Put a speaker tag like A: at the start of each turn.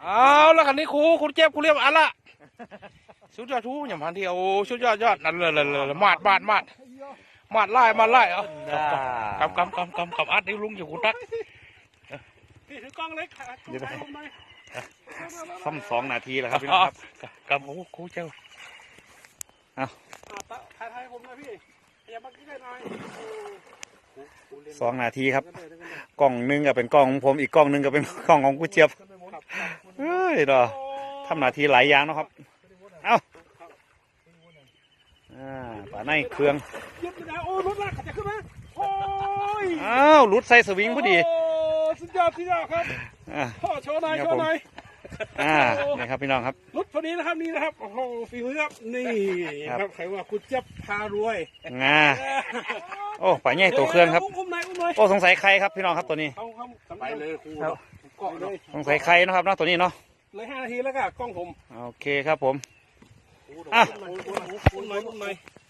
A: เอาแล้วกันนี้ครูคุณเจ็บครูเรียบอันละสุดยอดทูอย่างพันที่โอ้สุดยอดนั่นเลยมาดไล่เอากำอัดนี่ลุงอยู่คุณตัก
B: พี่ถือกล้องเล็กค่ะเดี๋ยว
C: ซ้ำ2 นาทีแล้วครับพี่น้องครับ
A: กำโอ้ครูเจ้า
B: ถ่ายผมนะพี่อย่ามาใกล้หน่อย
C: 2 นาทีครับกล้องนึงก็เป็นกล้องของผมอีกกล้องนึงก็เป็นกล้องของกูเจี๊ยบเฮ้ยดอทำหน้าที่หลายอย่างนะครับเอ้าป่าในเครื่อง
B: ยึดไปแล้วโอ้รถลากจะขึ้นมาโอ้ย
C: อ้าวรุดใส่สวิงพอดี
B: สุดยอดครับพ่อโชว์หน่อย
C: นี่ครับพี่น้องครับ
B: รุดพอดีนะครับนี่นะครับโอ้โหฝีมือครับนี่ครับใครว่าคุณเจี๊ยบพารวย
C: โอ้ป่าใหญ่ตัวเครื่องครับโอ้สงสัยใครครับพี่น้องครับตัวนี้
B: ไปเลยครูเกาะเลย
C: สงสัยใครนะครับน้องตัวนี้เนาะ
B: เลย5 นาทีแล้วก็กล้องผม
C: โอเคครับผม
B: คุณหน่อย